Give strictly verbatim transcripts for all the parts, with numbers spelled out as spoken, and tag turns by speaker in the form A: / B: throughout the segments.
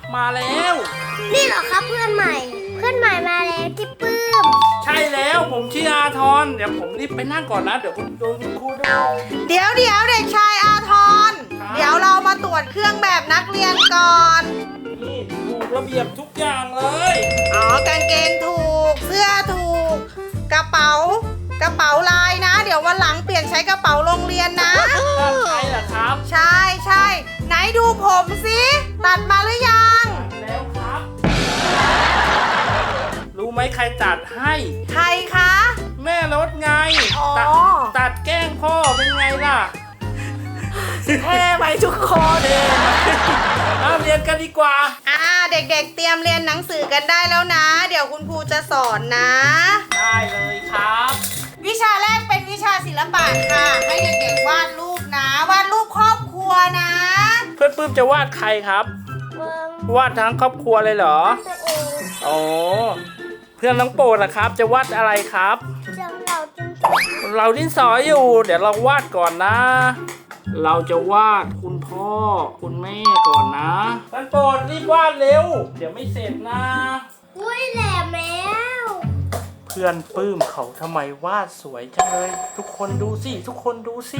A: มาแล้ว
B: นี่เหรอครับเพื่อนใหม่ เพื่อนใหม่มาแล้วที่ปื้ม
A: ใช่แล้วผมชื่ออาทรเดี๋ยวผมรีบไปนั่งก่อนนะเดี๋ยวคุณโดนคุณครูดู
C: เดี๋ยวเดี๋ยวเด็กชายอาทร
A: ครับ
C: เดี๋ยวเรามาตรวจเครื่องแบบนักเรียนก่อน
A: นี่ถูกระเบียบทุกอย่างเลย
C: อ๋อกางเกงถูก เสื้อถูก กระเป๋ากระเป๋าลายนะ เดี๋ยววันหลังเปลี่ยนใช้กระเป๋าโรงเรียนนะ
A: ใช่เหรอครับ
C: ใช่ใช่ไหนดูผมสิตัดมาหรือยัง
A: แล้วครับ รู้ไหมใครตัดให้
C: ใครคะ
A: แม่รถไง
C: อ๋อ
A: ตัดตัดแกล้งพ่อเป็นไงล่ะ
C: เท่ไหมทุกคน
A: เอาเรียนกันดีกว่า
C: อ่าเด็กๆเตรียมเรียนหนังสือกันได้แล้วนะ เดี๋ยวคุณครูจะสอนนะ
A: ได้เลยครับ
C: วิชาแรกเป็นวิชาศิลปะค่ะ ให้เด็กๆวาดรูปนะ วาดรูปครอบครัวนะ
A: เพื่อนปื้มจะวาดใครครับ
B: เมือง
A: วาดทั้งครอบครัวเลยเหรอ
B: ตัวเอง
A: อ๋อ เพื่อนน้องโปรดล่ะครับ จะวาดอะไรครับ
B: จำเราจน
A: เราดินสออยู่ เดี๋ยวเราวาดก่อนนะ เราจะวาดคุณพ่อ คุณแม่ก่อนนะเพื่อนโปรดรีบวาดเร็ว เดี๋ยวไม่เสร็จนะ
B: อุ้ยแหลมแล้ว
A: เพื่อนปื้มเขาทำไมวาดสวยจังเลย ทุกคนดูสิ ทุกคนดูสิ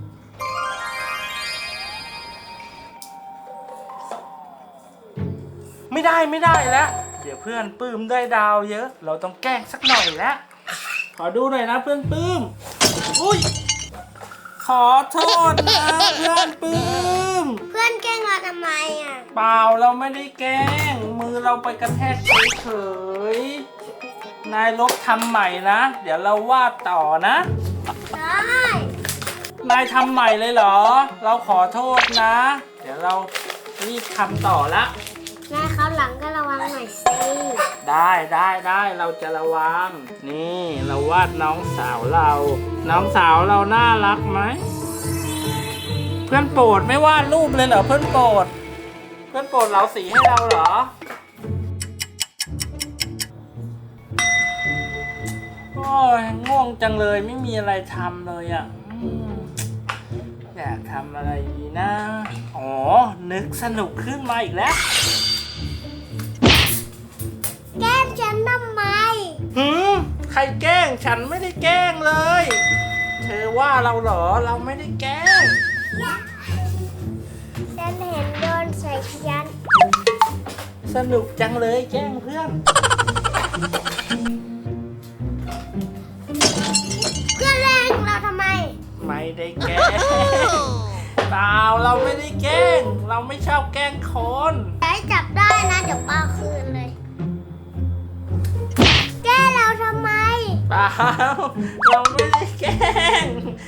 A: ไม่ได้ไม่ได้แล้ว เดี๋ยวเพื่อนปื้มได้ดาวเยอะ เราต้องแกล้งสักหน่อยแล้ว ขอดูหน่อยนะเพื่อนปื้ม อุ้ย ขอโทษนะเพื่อนปื้ม
B: เพื่อนแกล้งเราทำไมอ่ะ
A: เปล่าเราไม่ได้แกล้ง มือเราไปกระแทกเฉยๆนายลบทำใหม่นะ เดี๋ยวเราวาดต่อนะ
B: ได้
A: นายทำใหม่เลยเหรอ เราขอโทษนะ เดี๋ยวเรารีบทำต่อละ
B: นายเขาวหลังก็ระวังหน่อยสิ
A: ได้ได้ได้เราจะระวัง นี่เราวาดน้องสาวเรา น้องสาวเราน่ารักไหม เพื่อนโปรดไม่วาดรูปเลยเหรอเพื่อนโปรด เพื่อนโปรดเราสีให้เราเหรอ โอ้ยง่วงจังเลยไม่มีอะไรทำเลยอ่ะอืมอยากทำอะไรดีนะ อ๋อ นึกสนุกขึ้นมาอีกแล้ว
B: แกล้งฉันทำไม
A: หืมใครแกล้งฉันไม่ได้แกล้งเลย เธอว่าเราเหรอเราไม่ได้แกล้ง
B: ฉันเห็นโดนใส่ฉัน
A: สนุกจังเลยแกล้งเพื่อน
B: เพื่อนแรงเราทำไม
A: ไม่ได้แกล้งเปล่าเราไม่ได้แกล้ง เราไม่ชอบแกล้งคน
B: อย่าให้จับได้นะเดี๋ยวป้าคืนเลย แกล้งเราทำไม
A: เปล่าเราไม่ได้แกล้ง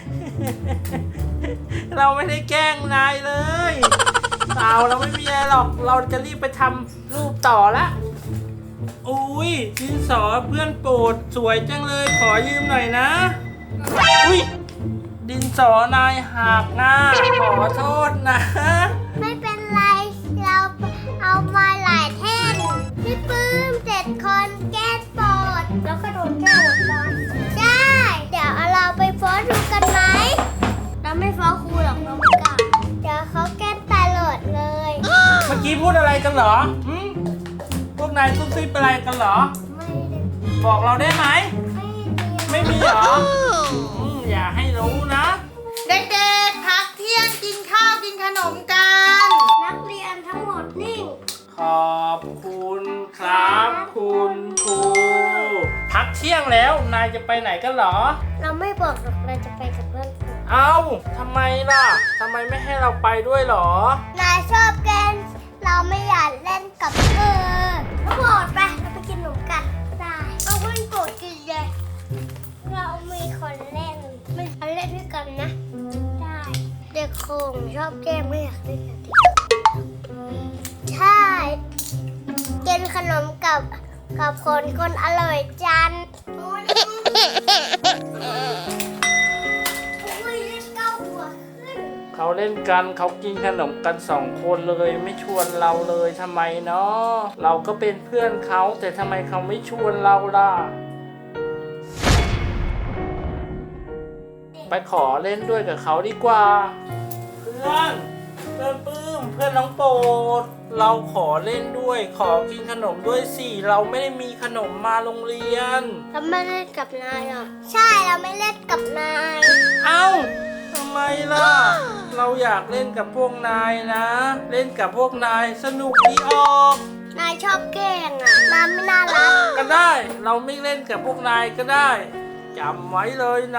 A: เราไม่ได้แกล้งนายเลยเปล่าเราไม่มีอะไรหรอก เราจะรีบไปทำรูปต่อละอุ้ยดินสอเพื่อนโปรดสวยจังเลยขอยืมหน่อยนะอุ้ยดินสอนายหักนะขอโทษนะ
B: ไม่เป็นไร เราเอามาหลายแท่นพี่ปื้มเจ็ดคนแก้โปรดแล้วก็โดนแก้หมดเลยได้ เดี๋ยวเอาเราไปฟ้องครูกันไหม เราไม่ฟ้องครูหรอกเราไม่กล้าเดี๋ยวเขาแก้ตลอดเลย
A: เมื่อกี้พูดอะไรกันเหรอหืมพวกนายซุบซิบอะไรกันเหรอ
B: ไม่ได้
A: บอกเราได้ไหม
B: ไม่มี
A: ไม่มีเหรออืมอย่าให้รู้นะ
C: เด็กๆพักเที่ยงกินข้าวกินขนมกัน
B: นักเรียนทั้งหมดนิ่ง
A: ขอบคุณครับคุณครูพักเที่ยงแล้วนายจะไปไหนกันเหรอ
B: เราไม่บอกหรอกเราจะไปกับเพื่อนฝูง
A: เอ้าทำไมล่ะทำไมไม่ให้เราไปด้วยเหรอ
B: นายชอบแกล้งเราไม่อยากเล่นกับเธอก็บอกไปเราไปกินขนมกันได้เอาเพื่อนโกรธกินเลยเรามีคนเล่นไม่เอาเล่นด้วยกันนะ ได้เด็กคงชอบแกล้งไม่อยากเล่นกับเด็กใช่กินขนมกับกับคนคนอร่อยจันอุ้ยเก้าหัวขึ้น
A: เขาเล่นกันเขากินขนมกันสองคนเลยไม่ชวนเราเลยทำไมเนาะเราก็เป็นเพื่อนเขาแต่ทำไมเขาไม่ชวนเราล่ะ ไปขอเล่นด้วยกับเขาดีกว่า เพื่อนเพื่อนปื้มเพื่อนน้องโปรดเราขอเล่นด้วยขอกินขนมด้วยสิเราไม่ได้มีขนมมาโรงเรียน
B: เราไม่เล่นกับนายหรอใช่เราไม่เล่นกับนาย
A: เอ้าทำไมล่ะ เราอยากเล่นกับพวกนายนะ เล่นกับพวกนายสนุกดีออก
B: นายชอบแกล้งอ่ะนายไม่น่ารัก
A: ก็ได้เราไม่เล่นกับพวกนายก็ได้จำไว้เลยนะ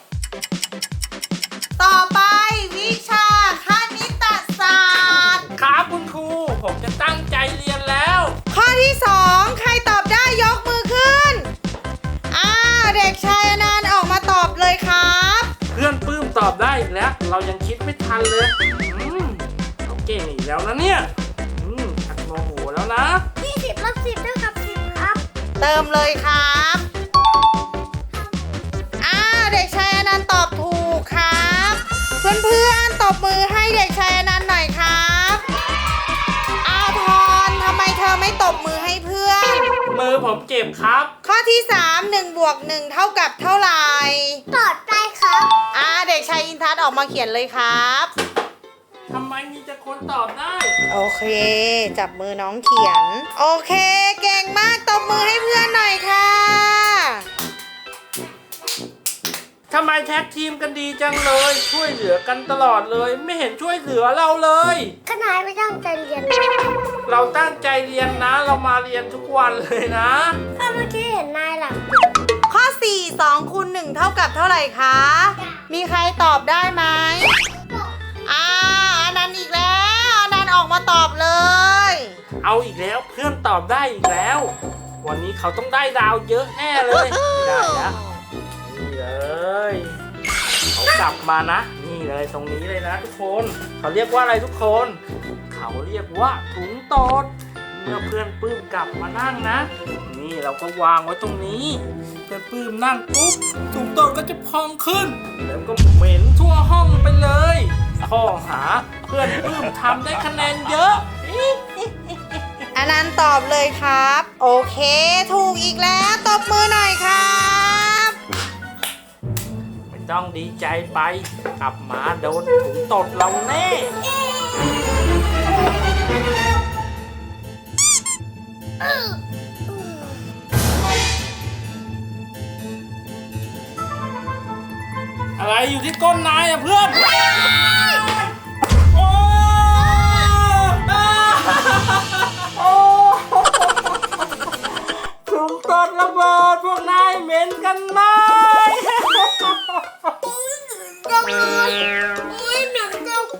C: ต่อไปวิชาคณิตศาสตร์
A: ครับคุณครูผมจะตั้งใจเรียนแล้ว
C: ข้อที่สองใครตอบได้ยกมือขึ้นอ้าวเด็กชายอนันต์ออกมาตอบเลยครับ
A: เพื่อนปื้มตอบได้อีกแล้ว เรายังคิดไม่ทันเลยอืมเราเก่งอีกแล้วนะเนี่ยอืมชักโมโหแล้วนะ
B: ยี่สิบลบสิบเท่ากับสิบครับ
C: เติมเลยครับอ้าวเด็กชายอนันต์ตอบถูกครับ เพื่อนๆตบมือให้เด็กชายอนันต์หน่อยครับอาทรทำไมเธอไม่ตบมือให้เพื่อน
A: มือผมเจ็บครับ
C: ข้อที่สาม หนึ่งบวกหนึ่งเท่ากับเท่าไหร่
B: ตอบได้ครับ
C: อ่าเด็กชายอินทัศน์ออกมาเขียนเลยครับ
A: ทำไมมีแต่คนตอบได้
C: โอเค จับมือน้องเขียน โอเค เก่งมากตบมือให้เพื่อนหน่อยค่ะ
A: ทำไมแท็กทีมกันดีจังเลย ช่วยเหลือกันตลอดเลย ไม่เห็นช่วยเหลือเราเลย
B: ก็นายไม่ตั้งใจเรียน
A: เราตั้งใจเรียนนะ เรามาเรียนทุกวันเลยนะ
B: ก็เมื่อกี้เห็นนายหลับ
C: ข้อสี่ สองคูณหนึ่งเท่ากับเท่าไหร่คะ มีใครตอบได้ไหมอ่าอันนั้นอีกแล้วอันนั้นออกมาตอบเลย
A: เอาอีกแล้วเพื่อนตอบได้อีกแล้ว วันนี้เขาต้องได้ดาวเยอะแน่เลยไม่ได้แล้วนี่เลยเขากลับมานะ นี่เลยตรงนี้เลยนะทุกคนเขาเรียกว่าอะไรทุกคน เขาเรียกว่าถุงตดเมื่อเพื่อนปื้มกลับมานั่งนะ นี่เราก็วางไว้ตรงนี้เพื่อนปื้มนั่งปุ๊บถุงตดก็จะพองขึ้น แล้วก็เหม็นทั่วห้องไปเลยข้อหาเพื่อนปื้มทำได้คะแนนเยอะ
C: อันนั้นตอบเลยครับ โอเค ถูกอีกแล้วตบมือหน่อยครับ
A: ไม่ต้องดีใจไปกลับมาโดนถุงตดเราแน่ อะไรอยู่ที่ก้นนายอะเพื่อน โอ้โอ้ถุงตดระเบิดพวกนายเหม็นกันไหม
B: จังเลยอุ้ยหนังจัง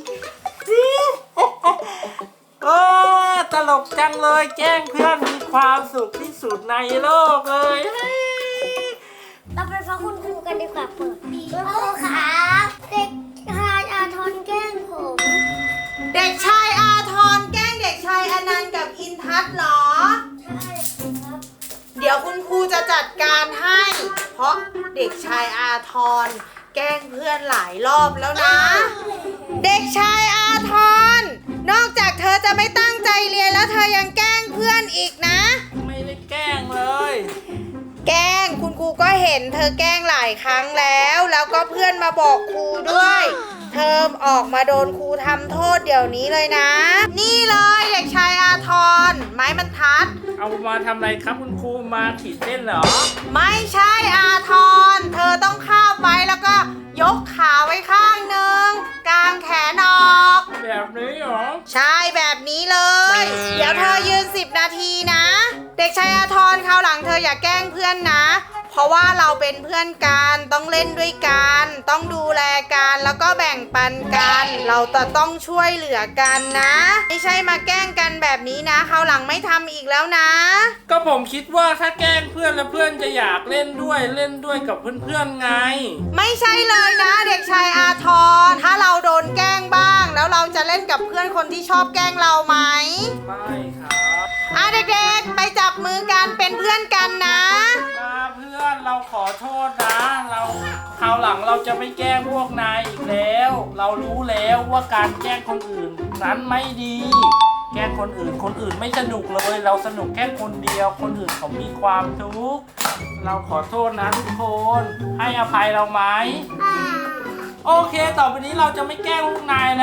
A: เออตลกจังเลยแกล้งเพื่อนมีความสุขที่สุดในโลกเลย
B: เราไปฟังคุณครูกันดีกว่าเปิดคุณครูครับเด็กชายอาทรแกล้งผม
C: เด็กชายอาทรแกล้งเด็กชายอนันต์กับอินทัศน์เหรอ
B: ใช่ครับ
C: เดี๋ยวคุณครูจะจัดการให้ เพราะเด็กชายอาทรแกล้งเพื่อนหลายรอบแล้วนะ เด็กชายอาทรนอกจากเธอจะไม่ตั้งใจเรียนแล้วเธอยังแกล้งเพื่อนอีกนะ
A: ไม่ได้แกล้งเลย
C: แกล้งคุณครูก็เห็นเธอแกล้งหลายครั้งแล้ว แล้วก็เพื่อนมาบอกครูด้วย เธอออกมาโดนครูทำโทษเดี๋ยวนี้เลยนะ นี่เลยเด็กชายอาทรไม้บรรทัด
A: เอามาทำอะไรครับคุณครูมาขีดเส้นเหรอ
C: ไม่ใช่อาทร เธอต้องข้าวไปแล้วก็ยกขาไว้ข้างหนึ่งกางแขนออก
A: แบบนี้เหรอ
C: ใช่แบบนี้เลย เดี๋ยวเธอยืนสิบนาทีนะ เด็กชายอาทรคราวหลังเธออย่าแกล้งเพื่อนนะ เพราะว่าเราเป็นเพื่อนกันต้องเล่นด้วยกันต้องดูแลกันแล้วก็แบ่งปันกัน เราจะต้องช่วยเหลือกันนะ ไม่ใช่มาแกล้งกันแบบนี้นะคราวหลังไม่ทำอีกแล้วนะ
A: ก็ผมคิดว่าถ้าแกล้งเพื่อนแล้วเพื่อนจะอยากเล่นด้วยเล่นด้วยกับเพื่อนๆไง
C: ไม่ใช่เลยนะเด็กชายอาทร ถ้าเราโดนแกล้งบ้าง แล้วเราจะเล่นกับเพื่อนคนที่ชอบแกล้งเราไหม
A: ไม่ครับ
C: อ่ะเด็กๆไปจับมือกันเป็นเพื่อนกันนะ
A: มาเพื่อนเราขอโทษนะ เราคราวหลังเราจะไม่แกล้งพวกนายอีกแล้ว เรารู้แล้วว่าการแกล้งคนอื่นนั้นไม่ดี แกล้งคนอื่นคนอื่นไม่สนุกเลย เราสนุกแค่คนเดียว คนอื่นเขามีความทุกข์เราขอโทษนะทุกคน ให้อภัยเราไหม โอเค ต่อไปนี้เราจะไม่แกล้งพวกนายแล้ว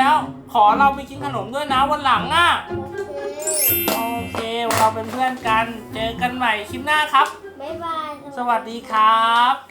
A: ขอเราไปกินขนมด้วยนะวันหลังอ่ะ
B: โอเค
A: โอเคเราเป็นเพื่อนกันเจอกันใหม่คลิปหน้าครับ
B: บ๊ายบาย
A: สวัสดีครับ